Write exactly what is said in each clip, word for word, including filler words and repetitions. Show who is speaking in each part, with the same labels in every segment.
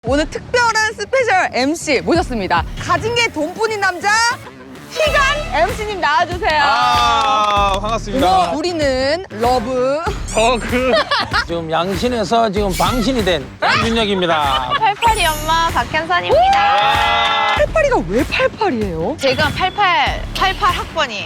Speaker 1: 오늘 특별한 스페셜 엠씨 모셨습니다. 가진 게 돈뿐인 남자 희간 엠씨님 나와주세요.
Speaker 2: 아, 반갑습니다.
Speaker 1: 우리는 러브
Speaker 2: 버그.
Speaker 3: 지금 양신에서 지금 방신이 된 윤혁입니다.
Speaker 4: 팔팔이 엄마 박현선입니다.
Speaker 1: 팔팔이가 왜 팔팔이에요?
Speaker 4: 제가 팔팔, 팔팔 학번이에요.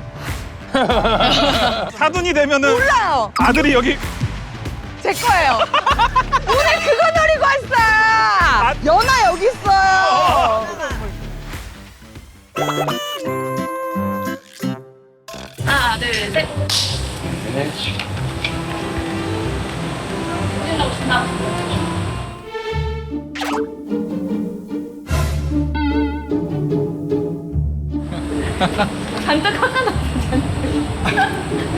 Speaker 2: 사돈이 되면은
Speaker 1: 몰라요.
Speaker 2: 아들이 여기.
Speaker 1: 제 거예요. 오늘 그거 노리고 왔어요. 연아 여기 있어요.
Speaker 4: 하나, 둘, 셋. 잔뜩 깎아놨어.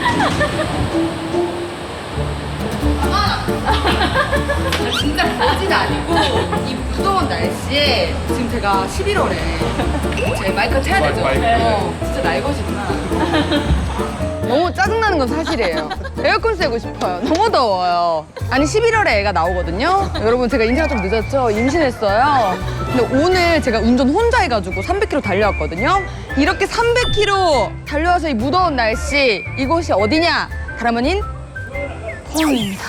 Speaker 1: 진짜 거짓 아니고 이 무더운 날씨에 지금 제가 십일월에 제 마이크 쳐야 되죠?
Speaker 2: 마이크.
Speaker 1: 어, 진짜 날것이구나. 너무 짜증나는 건 사실이에요. 에어컨 쐬고 싶어요. 너무 더워요. 아니 십일월에 애가 나오거든요. 여러분 제가 인사가 좀 늦었죠? 임신했어요. 근데 오늘 제가 운전 혼자 해가지고 삼백 킬로미터 달려왔거든요. 이렇게 삼백 킬로미터 달려와서 이 무더운 날씨 이곳이 어디냐? 다름 아닌 포항입니다.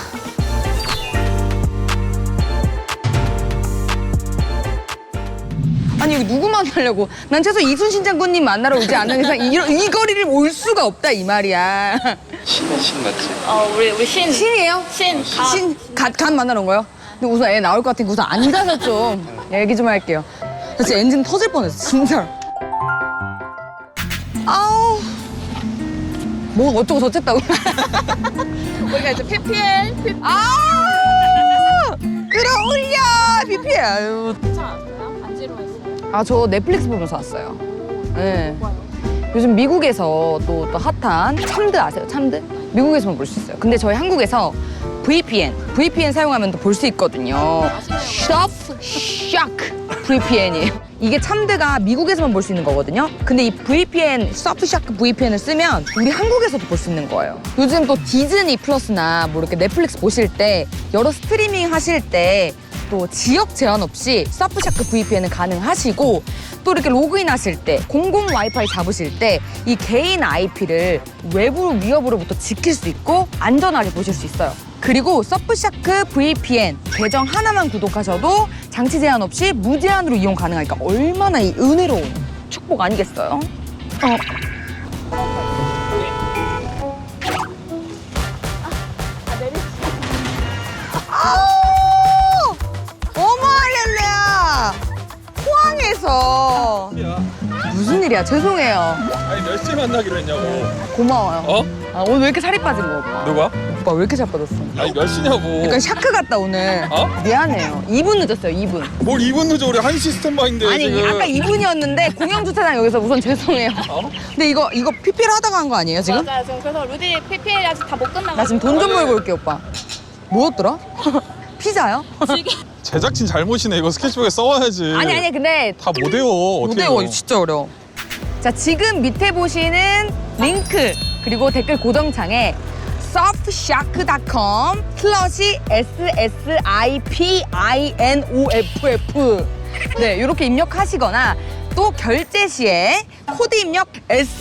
Speaker 1: 아니 여기 누구 만나려고? 난 최소 이순신 장군님 만나러 오지 않는 이상 이, 이 거리를 올 수가 없다 이 말이야.
Speaker 2: 신의 신 맞지?
Speaker 4: 어, 우리, 우리 신.
Speaker 1: 신이에요?
Speaker 4: 신. 아,
Speaker 1: 신, 갓, 갓 만나러 온 거예요? 근데 우선 애 나올 것 같으니까 우선 앉아서 좀 얘기 좀 할게요. 나 진짜 엔진 터질 뻔했어, 진짜로. 아우. 뭐가 어쩌고 저쨌다고. 우리가 이제 피피엘, 피피엘. 아우! 끌어올려, 피피엘. 아유. 아, 저 넷플릭스 보면서 왔어요. 네. 요즘 미국에서 또, 또 핫한 참드 아세요? 참드? 미국에서만 볼 수 있어요. 근데 저희 한국에서 브이피엔, 브이피엔 사용하면 또 볼 수 있거든요. 서프샤크 브이피엔이에요. 이게 참드가 미국에서만 볼 수 있는 거거든요. 근데 이 브이피엔, 서프샤크 브이피엔을 쓰면 우리 한국에서도 볼 수 있는 거예요. 요즘 또 디즈니 플러스나 뭐 이렇게 넷플릭스 보실 때 여러 스트리밍 하실 때 또 지역 제한 없이 서프샤크 브이피엔은 가능하시고 또 이렇게 로그인 하실 때 공공 와이파이 잡으실 때 이 개인 아이피를 외부 위협으로부터 지킬 수 있고 안전하게 보실 수 있어요. 그리고 서프샤크 브이피엔 계정 하나만 구독하셔도 장치 제한 없이 무제한으로 이용 가능하니까 얼마나 이 은혜로운 축복 아니겠어요? 어. 아우! 어머 할렐루야! 포항에서 무슨 일이야? 죄송해요.
Speaker 2: 아니 몇 시에 만나기로 했냐고.
Speaker 1: 고마워요.
Speaker 2: 어?
Speaker 1: 아, 오늘 왜 이렇게 살이 빠진 거 오빠?
Speaker 2: 누가?
Speaker 1: 오빠 왜 이렇게 살 빠졌어?
Speaker 2: 아니 몇 시냐고.
Speaker 1: 약간 샤크 같다 오늘.
Speaker 2: 어?
Speaker 1: 미안해요. 이 분 늦었어요. 이 분.
Speaker 2: 뭘 이 분 늦어 우리 한 시스템바인데
Speaker 1: 아니
Speaker 2: 지금.
Speaker 1: 아까 이 분이었는데 공영 주차장 여기서 우선 죄송해요.
Speaker 2: 어?
Speaker 1: 근데 이거 이거 피피엘 하다가 한 거 아니에요 지금?
Speaker 4: 맞아요. 지금 그래서 루디 피피엘이 아직 다 못 끝나고.
Speaker 1: 나 지금 돈 좀 벌고 올게 오빠. 뭐였더라? 피자요?
Speaker 2: 제작진 잘못이네. 이거 스케치북에 써와야지.
Speaker 1: 아니 아니 근데
Speaker 2: 다 못 외워. 어떻게
Speaker 1: 못해요.
Speaker 2: 외워.
Speaker 1: 진짜 어려워. 자 지금 밑에 보시는 링크 그리고 댓글 고정창에 서프샤크 닷컴 슬러시 에스에스아이피아이엔오에프에프 네 이렇게 입력하시거나 또 결제 시에 코드 입력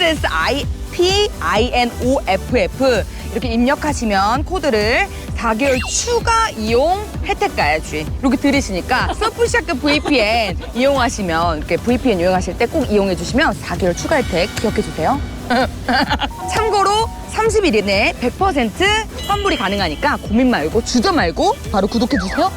Speaker 1: 에스에스아이피아이엔오에프에프 이렇게 입력하시면 코드를 사 개월 추가 이용 혜택까지 이렇게 들으시니까 서프샤크 브이피엔 이용하시면 이렇게 브이피엔 이용하실 때 꼭 이용해 주시면 사 개월 추가 혜택 기억해 주세요. 참고로 삼십 일 이내에 백 퍼센트 환불이 가능하니까 고민 말고 주저 말고 바로 구독해 주세요.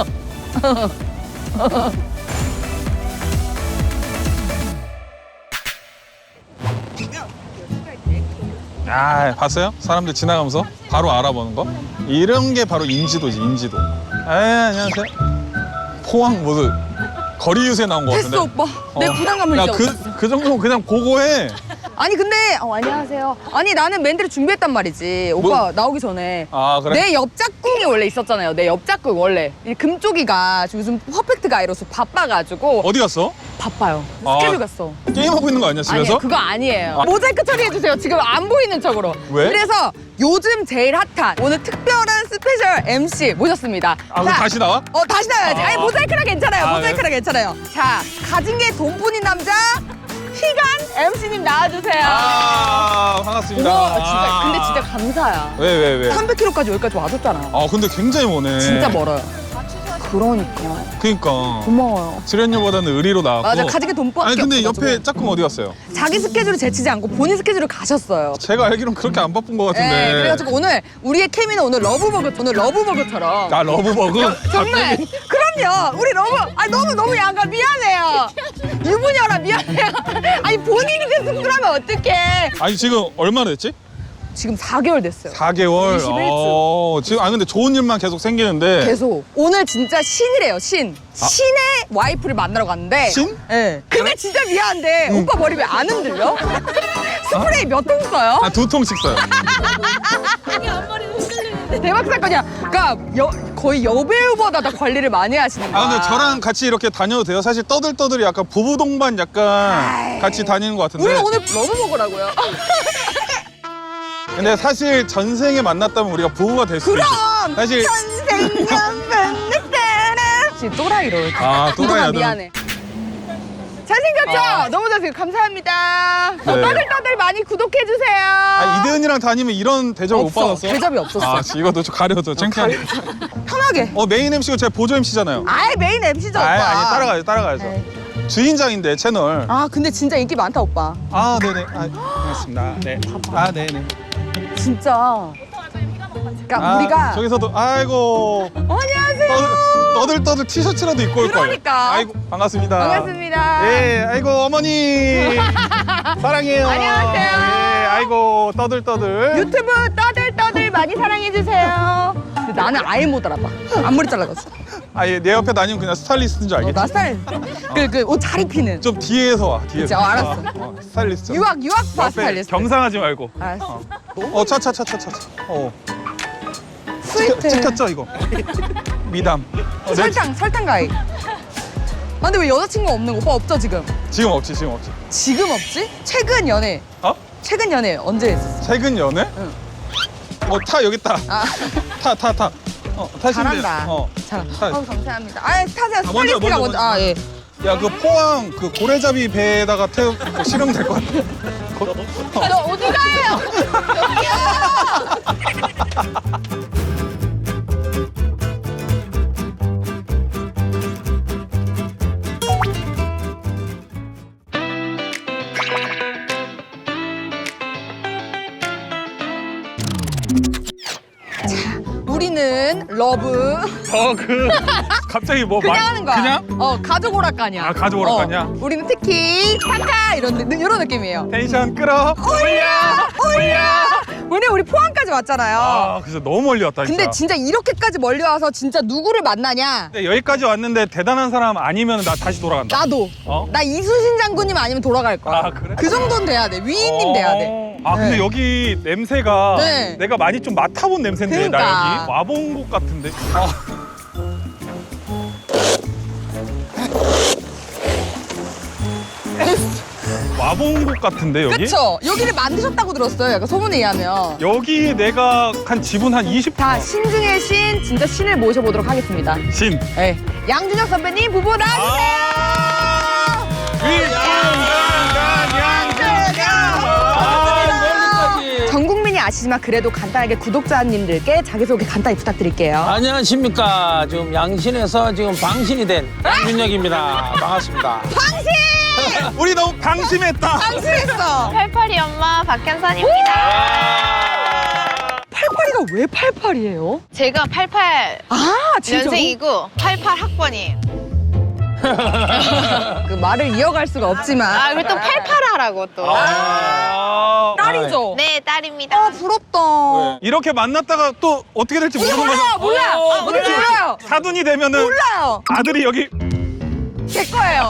Speaker 2: 아 봤어요? 사람들 지나가면서 바로 알아보는 거? 이런 게 바로 인지도지 인지도. 에 안녕하세요. 포항 무슨 거리 유세 나온 거 같은데.
Speaker 1: 됐어 오빠. 내 부담감을
Speaker 2: 야,
Speaker 1: 이제
Speaker 2: 그,
Speaker 1: 없었어.
Speaker 2: 그 정도면 그냥 고고해.
Speaker 1: 아니 근데 어, 안녕하세요. 아니 나는 멘트를 준비했단 말이지. 오빠
Speaker 2: 뭐?
Speaker 1: 나오기 전에.
Speaker 2: 아 그래?
Speaker 1: 내 옆짝꿍이 원래 있었잖아요. 내 옆짝꿍 원래. 이 금쪽이가 요즘 퍼펙트 가이로서 바빠가지고
Speaker 2: 어디 갔어?
Speaker 1: 바빠요.
Speaker 2: 아.
Speaker 1: 스케줄 갔어.
Speaker 2: 게임하고 있는 거 아니야 집에서?
Speaker 1: 아니에요, 그거 아니에요.
Speaker 2: 아.
Speaker 1: 모자이크 처리해주세요. 지금 안 보이는 척으로.
Speaker 2: 왜?
Speaker 1: 그래서 요즘 제일 핫한 오늘 특별한 스페셜 엠씨 모셨습니다.
Speaker 2: 아, 그럼 다시 나와?
Speaker 1: 어, 다시 나와야지.
Speaker 2: 아.
Speaker 1: 아니, 모자이크라 괜찮아요.
Speaker 2: 아,
Speaker 1: 모자이크라 괜찮아요. 자, 가진 게 돈뿐인 남자, 희간 엠씨님 나와주세요.
Speaker 2: 아, 반갑습니다.
Speaker 1: 우와, 진짜,
Speaker 2: 아.
Speaker 1: 근데 진짜 감사야.
Speaker 2: 왜, 왜, 왜?
Speaker 1: 삼백 킬로미터까지 여기까지 와줬잖아.
Speaker 2: 아, 근데 굉장히 머네.
Speaker 1: 진짜 멀어요. 그러니까.
Speaker 2: 그니까.
Speaker 1: 고마워요.
Speaker 2: 출연료보다는 의리로 나왔고.
Speaker 1: 맞아, 가진 게 돈밖에
Speaker 2: 아니, 근데
Speaker 1: 없어가지고.
Speaker 2: 옆에 짝꿍 어디 갔어요?
Speaker 1: 자기 스케줄을 제치지 않고 본인 스케줄을 가셨어요.
Speaker 2: 제가 알기로는 그렇게 안 바쁜 것 같은데.
Speaker 1: 네, 그래가지고 오늘 우리의 케미는 오늘 러브버거, 오늘 러브버거처럼.
Speaker 2: 아, 러브버그?
Speaker 1: 정말 그럼요 우리 너무 아 너무 너무 양가 미안해요 유부녀라 미안해요 아니 본인이 승부하면 어떡해
Speaker 2: 아니, 지금 얼마나 됐지?
Speaker 1: 지금 사 개월 됐어요
Speaker 2: 사 개월.
Speaker 1: 이십일 주.
Speaker 2: 어, 지금, 아, 근데 좋은 일만 계속 생기는데.
Speaker 1: 계속 오늘 진짜 신이래요 신 신의 와이프를 만나러 갔는데
Speaker 2: 신?
Speaker 1: 네. 근데 진짜 미안한데 오빠 머리 왜 안 흔들려? 스프레이 몇 통 써요?
Speaker 2: 아, 두 통씩 써요.
Speaker 4: 아니 앞머리도 흔들리는데.
Speaker 1: 대박 사건이야 그러니까 여, 거의 여배우보다 더 관리를 많이 하시는 거야
Speaker 2: 아, 근데 저랑 같이 이렇게 다녀도 돼요? 사실 떠들떠들이 약간 부부 동반 약간
Speaker 1: 아이.
Speaker 2: 같이 다니는 것 같은데.
Speaker 1: 우리는 오늘 러브버거라고요
Speaker 2: 근데 사실 전생에 만났다면 우리가 부부가 될 수도
Speaker 1: 그럼
Speaker 2: 있어. 사실
Speaker 1: 지금 또라이로
Speaker 2: 아, 또라이 아들.
Speaker 1: 미안해 잘생겼죠?
Speaker 2: 아.
Speaker 1: 너무 잘생겼 감사합니다 어,
Speaker 2: 네.
Speaker 1: 떠들떠들 많이 구독해주세요
Speaker 2: 아, 이대은이랑 다니면 이런 대접을 못
Speaker 1: 없어.
Speaker 2: 받았어?
Speaker 1: 대접이 없었어.
Speaker 2: 아, 이것도 좀 가려줘. 창피하게.
Speaker 1: 편하게
Speaker 2: 어, 메인 엠씨고 제가 보조 엠씨잖아요.
Speaker 1: 아예 메인 엠씨죠
Speaker 2: 아,
Speaker 1: 오빠
Speaker 2: 아니, 따라가야죠, 따라가야죠.
Speaker 1: 에이.
Speaker 2: 주인장인데, 채널.
Speaker 1: 아 근데 진짜 인기 많다 오빠
Speaker 2: 아, 네네. 아, 반갑습니다. 네. 아, 네네.
Speaker 1: 진짜 그러니까
Speaker 2: 아,
Speaker 1: 우리가
Speaker 2: 저기서도, 아이고.
Speaker 1: 어, 안녕하세요
Speaker 2: 떠들, 떠들 티셔츠라도 입고 올 거예요.
Speaker 1: 그러니까.
Speaker 2: 아이고, 반갑습니다.
Speaker 1: 반갑습니다
Speaker 2: 예, 아이고, 어머니. 사랑해요.
Speaker 1: 안녕하세요.
Speaker 2: 예, 아이고, 떠들, 떠들.
Speaker 1: 유튜브 떠들떠들 많이 사랑해주세요 근데 나는 아예 못 알아봐 앞머리 잘라가지고
Speaker 2: 아, 예, 내 옆에 다니면 그냥 스타일리스트인 줄
Speaker 1: 어,
Speaker 2: 알겠지?
Speaker 1: 나 스타일 그 그 옷 잘 입히는
Speaker 2: 좀 뒤에서 와, 뒤에서.
Speaker 1: 그치, 어, 알았어.
Speaker 2: 어, 스타일리스트.
Speaker 1: 유학 유학파
Speaker 2: 옆에
Speaker 1: 스타일리스트
Speaker 2: 겸상하지 말고.
Speaker 1: 알았어
Speaker 2: 어, 차차차차차. 어.
Speaker 1: 스위트
Speaker 2: 찍혔죠, 이거? 미담. 어, 내-
Speaker 1: 설탕 설탕 가위 아 근데 왜 여자친구 없는 거 오빠 없죠 지금
Speaker 2: 지금 없지, 지금 없지.
Speaker 1: 지금 없지? 최근 연애
Speaker 2: 어?
Speaker 1: 최근 연애 언제 했었어?
Speaker 2: 최근 연애?
Speaker 1: 응.
Speaker 2: 어, 타, 여기 타.
Speaker 1: 아
Speaker 2: 타, 타, 타. 어, 타시면
Speaker 1: 잘한다
Speaker 2: 돼요. 어.
Speaker 1: 잘
Speaker 2: 타.
Speaker 1: 어 감사합니다 아 타세요
Speaker 2: 아, 먼저,
Speaker 1: 스타일리스트가
Speaker 2: 먼저,
Speaker 1: 먼저 아예
Speaker 2: 야, 그 포항 그 고래잡이 배에다가 태우 고 실으면 될 것 같아. 거-
Speaker 1: 너 어디 가요? 여기요 우리는 러브
Speaker 2: 어, 그 갑자기 뭐
Speaker 1: 그냥
Speaker 2: 말-
Speaker 1: 하는 거야.
Speaker 2: 그냥?
Speaker 1: 어 가족 오락가냐.
Speaker 2: 아, 가족 오락가냐?
Speaker 1: 어, 우리는 특히 타카 이런 느- 이런 느낌이에요.
Speaker 2: 텐션 끌어.
Speaker 1: 올려 올려. 왜냐 우리 포항까지 왔잖아요.
Speaker 2: 아, 그래서 너무 멀리 왔다 진짜.
Speaker 1: 근데 진짜 이렇게까지 멀리 와서 진짜 누구를 만나냐?
Speaker 2: 근데 여기까지 왔는데 대단한 사람 아니면 나 다시 돌아간다.
Speaker 1: 나도.
Speaker 2: 어?
Speaker 1: 나 이수신 장군님 아니면 돌아갈 거야.
Speaker 2: 아, 그래?
Speaker 1: 그 정도는 돼야 돼. 위인님 돼야 돼.
Speaker 2: 어. 아, 근데
Speaker 1: 네.
Speaker 2: 여기 냄새가
Speaker 1: 네.
Speaker 2: 내가 많이 좀 맡아본 냄새인데 나
Speaker 1: 그러니까.
Speaker 2: 여기 와본 곳 같은데. 아. 와본 곳 같은데 여기?
Speaker 1: 그쵸? 여기를 만드셨다고 들었어요. 약간 소문에 의하면.
Speaker 2: 여기 내가 한 지분 한 이십.
Speaker 1: 자, 신 중의 신, 진짜 신을 모셔보도록 하겠습니다.
Speaker 2: 신.
Speaker 1: 네. 양준혁 선배님 부부 나와주세요! 전 국민이 아시지만 그래도 간단하게 구독자님들께 자기소개 간단히 부탁드릴게요.
Speaker 3: 안녕하십니까. 지금 양신에서 지금 방신이 된 양준혁입니다. 반갑습니다.
Speaker 1: 방신!
Speaker 2: 우리 너무 방심했다.
Speaker 1: 방심했어!
Speaker 4: 팔팔이 엄마 박현선입니다.
Speaker 1: 팔팔이가 왜 팔팔이에요?
Speaker 4: 제가 팔팔
Speaker 1: 아, 진짜로?
Speaker 4: 년생이고 팔팔 학번이에요.
Speaker 1: 그 말을 이어갈 수가 없지만.
Speaker 4: 아 그리고 또 팔팔 하라고 또.
Speaker 2: 아.
Speaker 1: 딸이죠?
Speaker 4: 네 딸입니다.
Speaker 1: 아, 부럽다.
Speaker 2: 네. 이렇게 만났다가 또 어떻게 될지 모르는
Speaker 1: 몰라요,
Speaker 2: 거죠.
Speaker 1: 몰라요.
Speaker 2: 어,
Speaker 1: 아, 뭔지 몰라요.
Speaker 2: 사돈이 되면은
Speaker 1: 몰라요.
Speaker 2: 아들이 여기
Speaker 1: 제 거예요.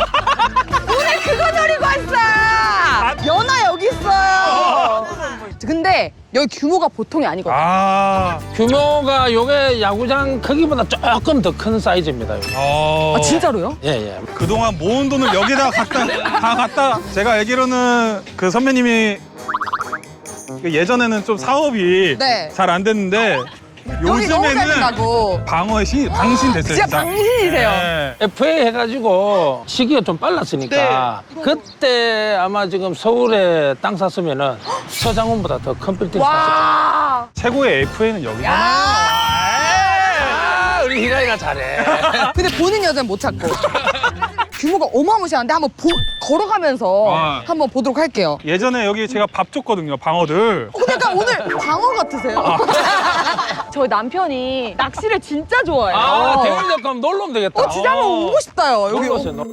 Speaker 1: 오늘 그거 노리고 왔어. 연아 여기 있어요. 근데 여기 규모가 보통이 아니거든요.
Speaker 2: 아,
Speaker 3: 규모가 요게 야구장 크기보다 조금 더 큰 사이즈입니다. 요게.
Speaker 2: 어.
Speaker 1: 아, 진짜로요?
Speaker 3: 예, 예.
Speaker 2: 그동안 모은 돈을 여기다 갖다 다 갖다 제가 알기로는 그 선배님이 그 예전에는 좀 사업이
Speaker 1: 네.
Speaker 2: 잘 안 됐는데
Speaker 1: 여기 너무 잘
Speaker 2: 요즘에는
Speaker 1: 된다고.
Speaker 2: 방어의 신 당신 됐어요.
Speaker 1: 진짜 당신이세요.
Speaker 2: 네.
Speaker 3: 에프에이 해가지고 시기가 좀 빨랐으니까 그때 아마 지금 서울에 땅 샀으면은 서장훈보다 더 큰 빌딩 샀을 거예요.
Speaker 1: 와.
Speaker 2: 최고의 에프에이는 여기잖아요.
Speaker 3: 아, 우리 희가이가 잘해.
Speaker 1: 근데 보는 여자는 못 찾고. 규모가 어마무시한데 한번 보, 걸어가면서
Speaker 2: 아.
Speaker 1: 한번 보도록 할게요.
Speaker 2: 예전에 여기 제가 밥 줬거든요, 방어들.
Speaker 1: 어, 약간 오늘 방어 같으세요? 저희 남편이 낚시를 진짜 좋아해요.
Speaker 3: 아, 대일역 가면 놀러 오면 되겠다.
Speaker 1: 어, 진짜 한번
Speaker 2: 어.
Speaker 1: 오고 싶다요. 여기.
Speaker 3: 놀러
Speaker 1: 오,
Speaker 3: 오세요. 놀-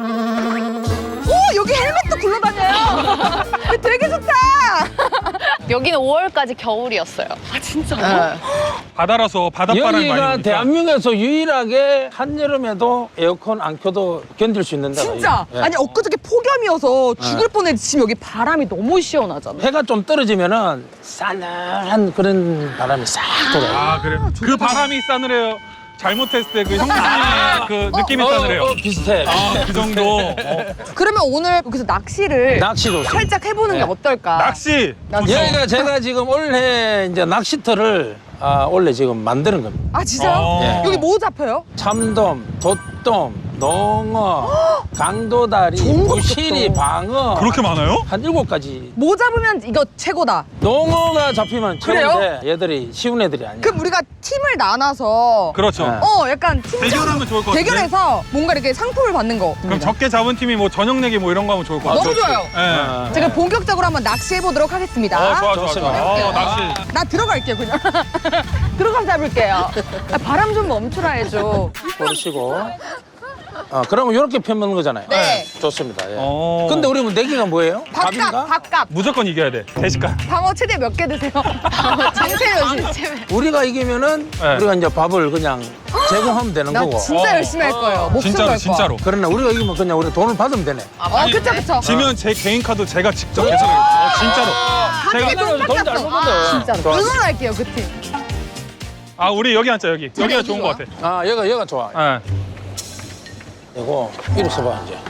Speaker 1: 여기 헬멧도 굴러다녀요. 되게 좋다.
Speaker 4: 여기는 오월까지 겨울이었어요.
Speaker 1: 아, 진짜요?
Speaker 4: 네.
Speaker 2: 바다라서 바닷바람이 많이
Speaker 3: 여기가
Speaker 2: 부니까.
Speaker 3: 대한민국에서 유일하게 한여름에도 에어컨 안 켜도 견딜 수 있는 데가
Speaker 1: 진짜?
Speaker 3: 예.
Speaker 1: 아니, 엊그저께 폭염이어서 죽을 뻔했는데 지금 여기 바람이 너무 시원하잖아.
Speaker 3: 해가 좀 떨어지면은 싸늘한 그런 바람이 싹 돌아요.
Speaker 2: 아, 그래. 그 바람이 싸늘해요. 잘못했을 때 그 형님의 그 느낌이
Speaker 3: 어,
Speaker 2: 싸늘해요.
Speaker 3: 어, 비슷해.
Speaker 2: 아, 그 정도. 어.
Speaker 1: 그러면 오늘 여기서 낚시를
Speaker 3: 낚시도
Speaker 1: 살짝 해보는
Speaker 3: 네.
Speaker 1: 게 어떨까?
Speaker 2: 낚시.
Speaker 1: 낚시.
Speaker 2: 좋죠.
Speaker 3: 여기가 제가 지금 올해 이제 낚시터를 아, 원래 지금 만드는 겁니다.
Speaker 1: 아, 진짜요?
Speaker 2: 어.
Speaker 3: 예.
Speaker 1: 여기 뭐 잡혀요?
Speaker 3: 참돔, 돛돔, 농어, 강도다리,
Speaker 1: 좋은 거
Speaker 3: 부시리,
Speaker 1: 없겠다.
Speaker 3: 방어
Speaker 2: 그렇게 많아요?
Speaker 3: 한 일곱 가지.
Speaker 1: 뭐 잡으면 이거 최고다.
Speaker 3: 농어가 잡히면
Speaker 1: 그래요?
Speaker 3: 최고인데 얘들이 쉬운 애들이 아니야.
Speaker 1: 그럼 우리가 팀을 나눠서
Speaker 2: 그렇죠.
Speaker 3: 네.
Speaker 1: 어, 약간 팀
Speaker 2: 대결하면 좋을 것 같은데?
Speaker 1: 대결해서 뭔가 이렇게 상품을 받는 거.
Speaker 2: 그럼 적게 잡은 팀이 뭐 저녁 내기 뭐 이런 거 하면 좋을 것 같아요.
Speaker 1: 너무 좋아요.
Speaker 2: 예.
Speaker 3: 아,
Speaker 1: 제가 본격적으로 한번 낚시해 보도록 하겠습니다.
Speaker 2: 어, 좋아, 좋아,
Speaker 3: 좋습니다.
Speaker 2: 좋아. 어, 낚시.
Speaker 1: 나 들어갈게요, 그냥. 들어가서 잡을게요. 아, 바람 좀 멈추라 해줘.
Speaker 3: 버리시고. 아, 그러면 이렇게 펴먹는 거잖아요.
Speaker 1: 네.
Speaker 3: 좋습니다. 예.
Speaker 2: 어.
Speaker 3: 근데 우리 뭐 내기가 뭐예요?
Speaker 1: 밥값,
Speaker 3: 밥인가?
Speaker 1: 밥값.
Speaker 2: 무조건 이겨야 돼. 대식가.
Speaker 1: 방어 최대 몇 개 드세요? 장세현 씨.
Speaker 3: 우리가 이기면은
Speaker 2: 네.
Speaker 3: 우리가 이제 밥을 그냥 제공하면 되는
Speaker 1: 나
Speaker 3: 거고.
Speaker 1: 진짜
Speaker 2: 어.
Speaker 1: 열심히 할 거예요. 목숨
Speaker 2: 진짜로,
Speaker 1: 걸 거야.
Speaker 2: 진짜로.
Speaker 3: 그러나 우리가 이기면 그냥 우리 돈을 받으면 되네.
Speaker 1: 어, 그쵸, 그쵸.
Speaker 2: 지면 제 개인 카드 제가 직접 계산해요. 어, 진짜로.
Speaker 1: 하늘이
Speaker 2: 제가
Speaker 1: 돈
Speaker 3: 돈잘
Speaker 1: 깎았어.
Speaker 3: 벌거든.
Speaker 1: 진짜로.
Speaker 3: 좋았어.
Speaker 1: 응원할게요, 그 팀.
Speaker 2: 아, 우리 여기 앉자, 여기. 여기가
Speaker 1: 여기
Speaker 2: 좋은
Speaker 1: 좋아.
Speaker 2: 것 같아.
Speaker 3: 아, 얘가 얘가 좋아.
Speaker 2: 예.
Speaker 3: 이거 이렇게 써봐 이제.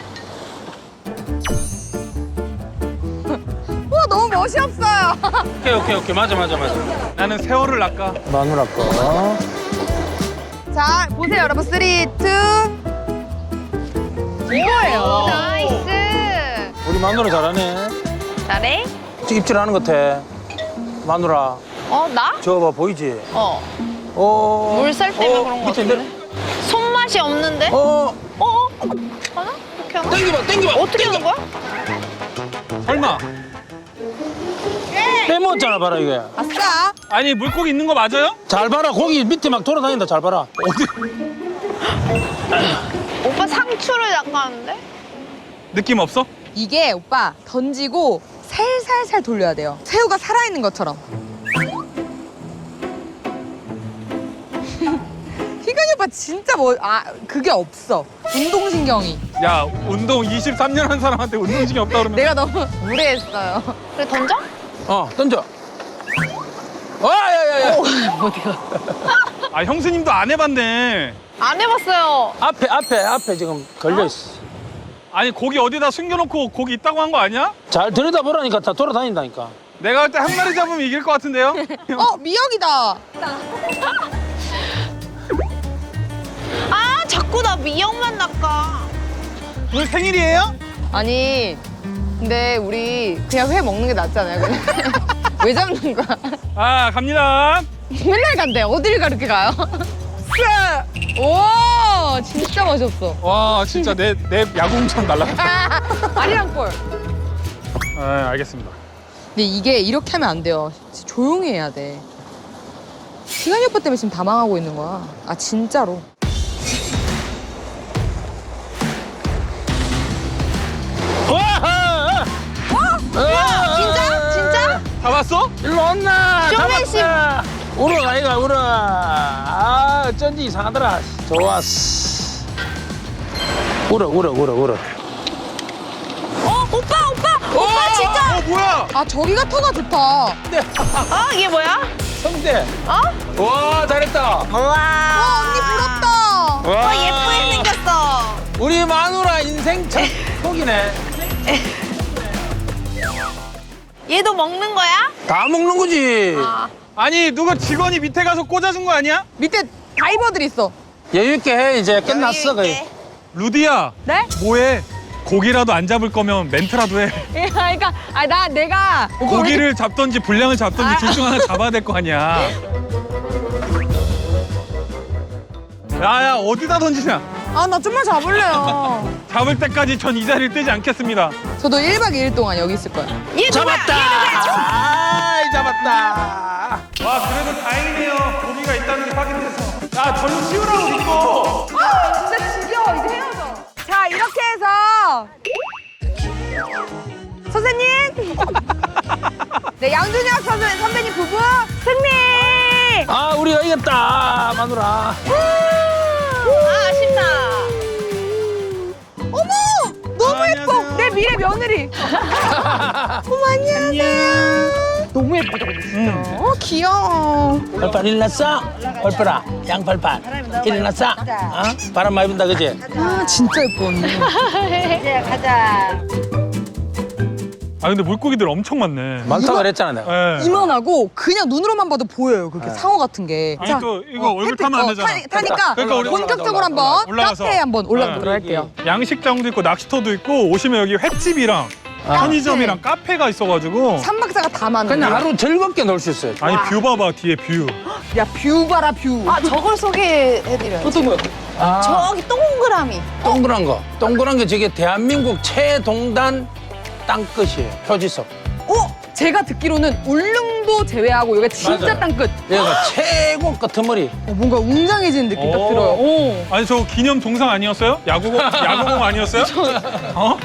Speaker 1: 우와, 너무 멋이 없어요.
Speaker 3: 오케이 오케이 오케이 맞아 맞아 맞아.
Speaker 2: 나는 세월을 낚아.
Speaker 3: 마누라 거.
Speaker 1: 자, 보세요, 여러분. 쓰리, 투. 이거예요.
Speaker 4: 나이스.
Speaker 3: 우리 마누라 잘하네.
Speaker 4: 잘해?
Speaker 3: 입질하는 것 같아. 마누라.
Speaker 4: 어, 나?
Speaker 3: 저거 봐 보이지?
Speaker 4: 어.
Speaker 3: 어.
Speaker 4: 물살 때문에
Speaker 3: 어,
Speaker 4: 그런 거
Speaker 3: 밑에
Speaker 4: 같은데?
Speaker 3: 내려.
Speaker 4: 손맛이 없는데?
Speaker 3: 어.
Speaker 4: 어? 어? 하나? 이렇게 하나?
Speaker 3: 땡겨봐 땡겨봐.
Speaker 4: 어떻게 하는 거야?
Speaker 2: 설마.
Speaker 3: 빼먹었잖아 봐라 이게.
Speaker 1: 아싸.
Speaker 2: 아니, 물고기 있는 거 맞아요?
Speaker 3: 잘 봐라 고기 밑에 막 돌아다닌다 잘 봐라.
Speaker 2: 어디?
Speaker 4: 오빠 상추를 낚았는데?
Speaker 2: 느낌 없어?
Speaker 1: 이게 오빠 던지고 살살살 돌려야 돼요. 새우가 살아있는 것처럼. 희근이 오빠 진짜 뭐, 아, 그게 없어. 운동신경이.
Speaker 2: 야, 운동 이십삼 년 한 사람한테 운동신경 없다 그러면.
Speaker 1: 내가 너무 무례했어요.
Speaker 4: 그래, 던져?
Speaker 3: 어 던져. 어 야야야.
Speaker 2: 아, 형수님도 안 해봤네.
Speaker 4: 안 해봤어요.
Speaker 3: 앞에 앞에 앞에 지금 걸려 있어.
Speaker 2: 아니, 고기 어디다 숨겨놓고 고기 있다고 한 거 아니야?
Speaker 3: 잘 들여다 보라니까 다 돌아다닌다니까.
Speaker 2: 내가 할 때 한 마리 잡으면 이길 것 같은데요?
Speaker 1: 어, 미역이다.
Speaker 4: 아, 자꾸 나 미역만 낚아.
Speaker 2: 오늘 생일이에요?
Speaker 1: 아니, 근데 우리 그냥 회 먹는 게 낫잖아요. 그냥. 왜 잡는 거야?
Speaker 2: 아, 갑니다.
Speaker 1: 맨날 간대. 어딜 가렇게 가요? 오, 진짜 멋있었어.
Speaker 2: 와, 진짜 내, 내 야구공처럼 날라갔다.
Speaker 1: 아리랑 꼴.
Speaker 2: 아, 알겠습니다.
Speaker 1: 근데 이게 이렇게 하면 안 돼요. 진짜 조용히 해야 돼. 희간이 오빠 때문에 지금 다 망하고 있는 거야. 아, 진짜로.
Speaker 3: 와!
Speaker 4: 진짜? 진짜?
Speaker 2: 잡았어?
Speaker 3: 일로 온나?
Speaker 4: 쇼맨십.
Speaker 3: 잡았다. 울어 아이가 울어. 아 어쩐지 이상하더라. 좋았어. 울어 울어 울어 울어.
Speaker 4: 어, 오빠, 오빠! 오빠, 진짜!
Speaker 2: 뭐야?
Speaker 1: 아 저기가 터가 좋다.
Speaker 4: 어? 이게 뭐야?
Speaker 3: 성대.
Speaker 4: 어?
Speaker 3: 와, 잘했다.
Speaker 4: 우와.
Speaker 1: 언니 부럽다.
Speaker 3: 와,
Speaker 4: 어, 예쁘게 생겼어.
Speaker 3: 우리 마누라 인생 첫 속이네.
Speaker 4: 얘도 먹는 거야?
Speaker 3: 다 먹는 거지.
Speaker 4: 아.
Speaker 2: 아니 누가 직원이 밑에 가서 꽂아준 거 아니야?
Speaker 1: 밑에 다이버들 있어.
Speaker 3: 여유 있게 해. 이제 끝났어, 거의.
Speaker 2: 루디야.
Speaker 1: 네?
Speaker 2: 뭐해? 고기라도 안 잡을 거면 멘트라도 해.
Speaker 1: 예, 그러니까 아 나 내가
Speaker 2: 고기를 잡던지 분량을 잡던지
Speaker 1: 아.
Speaker 2: 둘 중 하나 잡아야 될 거 아니야. 야야 어디다 던지냐?
Speaker 1: 아나 좀만 잡을래요.
Speaker 2: 잡을 때까지 전 이 자리를 뜨지 않겠습니다.
Speaker 1: 저도 일 박 이 일 동안 여기 있을 거예요.
Speaker 4: 얘 누구야?
Speaker 3: 잡았다. 아이, 잡았다.
Speaker 2: 와 그래도 다행이네요. 고기가 있다는 게 확인돼서. 야 저는 치우라고 믿고.
Speaker 1: 아 진짜 지겨워 이제 헤어져. 자 이렇게 해서 선생님. 네 양준혁 선생 선배님 부부 승리.
Speaker 3: 아, 우리가 이겼다, 마누라.
Speaker 4: 아, 아쉽다.
Speaker 1: 어머 너무
Speaker 2: 아,
Speaker 1: 예뻐
Speaker 2: 안녕하세요.
Speaker 1: 내 미래 며느리. 어머 안녕하세요. 너무 예쁘다 근데 진짜. 어 귀여워.
Speaker 3: 벌빨 일어났어? 벌빨아, 양벌빨. 일어났어? 어? 바람 많이 분다, 그지?
Speaker 1: 아 진짜 예뻐 언니.
Speaker 2: 아 근데 물고기들 엄청 많네.
Speaker 3: 많다고 그랬잖아, 내가.
Speaker 2: 예.
Speaker 1: 이만하고 그냥 눈으로만 봐도 보여요 그렇게 상어 같은 게.
Speaker 2: 아니, 또 이거 얼굴
Speaker 1: 햇빛,
Speaker 2: 타면 안
Speaker 1: 어,
Speaker 2: 되잖아.
Speaker 1: 타, 타니까
Speaker 2: 그러니까 우리
Speaker 1: 본격적으로
Speaker 3: 올라가자,
Speaker 1: 한번
Speaker 2: 올라가서.
Speaker 1: 카페에 한번 올라가도록
Speaker 2: 네.
Speaker 1: 할게요.
Speaker 2: 양식장도 있고 낚시터도 있고 오시면 여기 횟집이랑 편의점이랑 카페가 있어가지고.
Speaker 1: 삼박사가 다 많은.
Speaker 3: 그냥 하루 즐겁게 놀 수 있어요.
Speaker 2: 아니 뷰 봐봐 뒤에 뷰.
Speaker 1: 야뷰 봐라 뷰.
Speaker 4: 아, 저걸 소개해드려요.
Speaker 3: 어떤 거야? 아,
Speaker 4: 저기 동그라미.
Speaker 3: 동그란 거. 동그란 게 저게 대한민국 최동단 땅끝이에요. 표지석.
Speaker 1: 어? 제가 듣기로는 울릉도 제외하고 이게 진짜
Speaker 3: 맞아요.
Speaker 1: 땅끝.
Speaker 3: 얘가 최고 끄트머리.
Speaker 1: 어, 뭔가 웅장해지는 느낌 딱
Speaker 2: 오.
Speaker 1: 들어요. 오.
Speaker 2: 아니 저 기념 동상 아니었어요? 야구공 야구공 아니었어요? 어?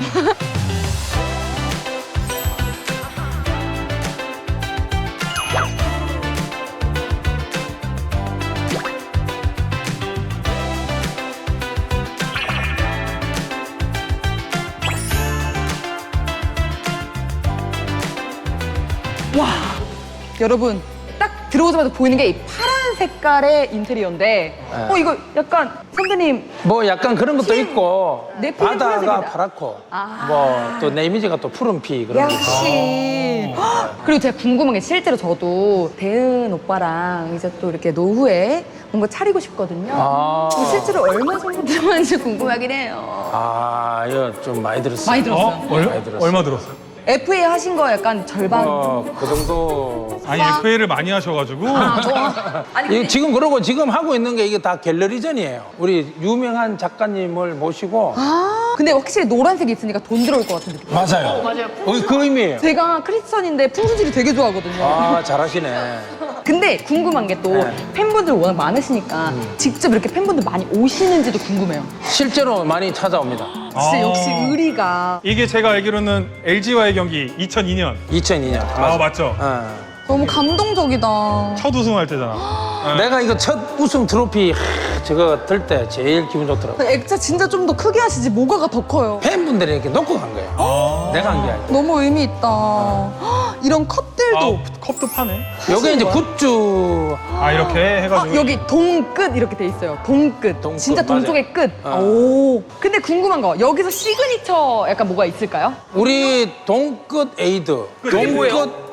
Speaker 1: 와 여러분 딱 들어오자마자 보이는 게 이 파란 색깔의 인테리어인데
Speaker 3: 네.
Speaker 1: 어 이거 약간 선배님
Speaker 3: 뭐 약간 그런 것도 있고
Speaker 1: 내 피는
Speaker 3: 바다가
Speaker 1: 푸른색이다.
Speaker 3: 파랗고
Speaker 1: 아.
Speaker 3: 뭐 또 내 이미지가 또 푸른피 그런 게 있고.
Speaker 1: 역시. 헉! 그리고 제가 궁금한 게 실제로 저도 대은 오빠랑 이제 또 이렇게 노후에 뭔가 차리고 싶거든요.
Speaker 3: 아.
Speaker 1: 그럼 실제로 얼마 정도 들어가는지 궁금하긴 해요.
Speaker 3: 아, 이거 좀 많이 들었어요.
Speaker 1: 많이 들었어요.
Speaker 2: 어? 얼,
Speaker 3: 많이 들었어요.
Speaker 2: 얼마 들었어요?
Speaker 1: 에프에이 하신 거 약간 절반.
Speaker 3: 어, 그 정도.
Speaker 2: 아니 에프에이를 많이 하셔가지고.
Speaker 1: 아, 뭐. 아니
Speaker 3: 이게
Speaker 1: 근데
Speaker 3: 지금 그러고 지금 하고 있는 게 이게 다 갤러리전이에요. 우리 유명한 작가님을 모시고.
Speaker 1: 아, 근데 확실히 노란색이 있으니까 돈 들어올 것 같은 느낌.
Speaker 3: 맞아요. 맞아요. 그 의미예요.
Speaker 1: 제가 크리스천인데 풍수지리 되게 좋아하거든요.
Speaker 3: 아, 잘하시네.
Speaker 1: 근데 궁금한 게 또
Speaker 3: 네.
Speaker 1: 팬분들 워낙 많으시니까 직접 이렇게 팬분들 많이 오시는지도 궁금해요.
Speaker 3: 실제로 많이 찾아옵니다.
Speaker 1: 진짜
Speaker 2: 아.
Speaker 1: 역시 의리가.
Speaker 2: 이게 제가 알기로는 엘지와의 경기 이천이 년.
Speaker 3: 이천이 년.
Speaker 2: 아 맞죠?
Speaker 3: 어.
Speaker 1: 너무 감동적이다.
Speaker 2: 첫 우승할 때잖아.
Speaker 3: 내가 이거 첫 우승 트로피 하, 저거 들 때 제일 기분 좋더라고.
Speaker 1: 액자 진짜 좀 더 크게 하시지 뭐가가 더 커요.
Speaker 3: 팬분들이 이렇게 놓고 간 거예요.
Speaker 2: 아.
Speaker 3: 내가 한 게 아니라.
Speaker 1: 너무 의미 있다. 헉, 이런 컵들도.
Speaker 2: 아, 컵도 파네.
Speaker 3: 요게 이제
Speaker 1: 뭐야?
Speaker 3: 굿즈.
Speaker 2: 아 이렇게 해가지고.
Speaker 1: 아, 여기 동끝 이렇게 돼 있어요. 동끝.
Speaker 3: 동끝,
Speaker 1: 진짜
Speaker 3: 맞아요.
Speaker 1: 동쪽의 끝.
Speaker 3: 어.
Speaker 1: 오. 근데 궁금한 거 여기서 시그니처 약간 뭐가 있을까요?
Speaker 3: 우리 동끝 에이드. 동끝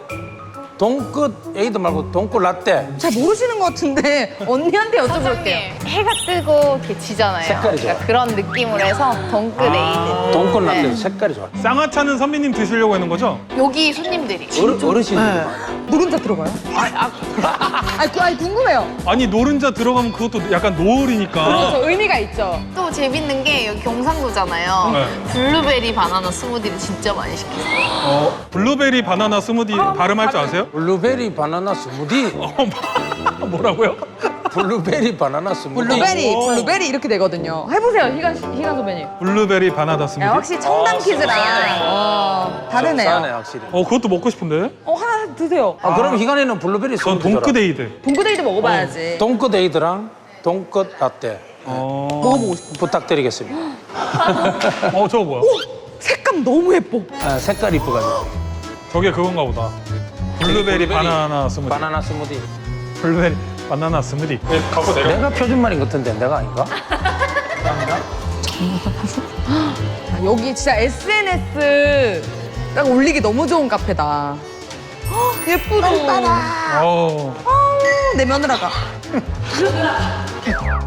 Speaker 3: 동끝 에이드 말고 동끝 라떼.
Speaker 1: 잘 모르시는 것 같은데 언니한테 여쭤볼게요.
Speaker 4: 사장님, 해가 뜨고 이렇게 지잖아요.
Speaker 3: 색깔이 좋아.
Speaker 4: 그러니까 그런 느낌으로 해서 덩크 레이드.
Speaker 3: 동끝 라떼
Speaker 4: 네.
Speaker 3: 색깔이 좋아.
Speaker 2: 쌍화차는 선배님 드시려고 하는 거죠?
Speaker 4: 여기 손님들이.
Speaker 3: 어르, 어르신들이 많아.
Speaker 1: 노른자 들어가요? 아, 아니, 그- 아니 궁금해요.
Speaker 2: 아니 노른자 들어가면 그것도 약간 노을이니까.
Speaker 1: 그렇죠. 의미가 있죠.
Speaker 4: 또 재밌는 게 여기 경상도잖아요.
Speaker 2: 네.
Speaker 4: 블루베리 바나나 스무디를 진짜 많이 시켰어요.
Speaker 2: 어, 블루베리 바나나 스무디 발음할 줄 아세요?
Speaker 3: 블루베리 바나나 스무디.
Speaker 2: 어, 뭐라고요?
Speaker 3: 블루베리 바나나 스무디.
Speaker 1: 블루베리,
Speaker 2: 오.
Speaker 1: 블루베리 이렇게 되거든요. 해보세요, 희간, 희간 선배님.
Speaker 2: 블루베리 바나나 스무디.
Speaker 1: 야, 확실히 청담
Speaker 3: 아,
Speaker 1: 퀴즈랑 어, 다르네요.
Speaker 3: 싸네 확실히.
Speaker 2: 어 그것도 먹고 싶은데?
Speaker 1: 어, 하나 드세요.
Speaker 3: 아, 그럼 희간이는 블루베리
Speaker 2: 전
Speaker 3: 스무디.
Speaker 2: 동크데이드.
Speaker 1: 동구데이도 먹어봐야지.
Speaker 3: 동끝 에이드랑 동끝 라떼
Speaker 2: 어.
Speaker 1: 먹어보고 싶어.
Speaker 3: 부탁드리겠습니다.
Speaker 2: 어 저거 뭐야?
Speaker 1: 색감 너무 예뻐.
Speaker 3: 아, 색깔 이쁘가지고.
Speaker 2: 저게 그건가 보다. 블루베리 바나나 스무디.
Speaker 3: 바나나 스무디.
Speaker 2: 블루베리 바나나 스무디. 네, 갖고 내려.
Speaker 3: 내가 표준말인 것 같은데 내가 아닌가?
Speaker 1: 아, 여기 진짜 에스엔에스 딱 올리기 너무 좋은 카페다. 헉, 예쁘다.
Speaker 2: 어.
Speaker 1: 내 며느라가.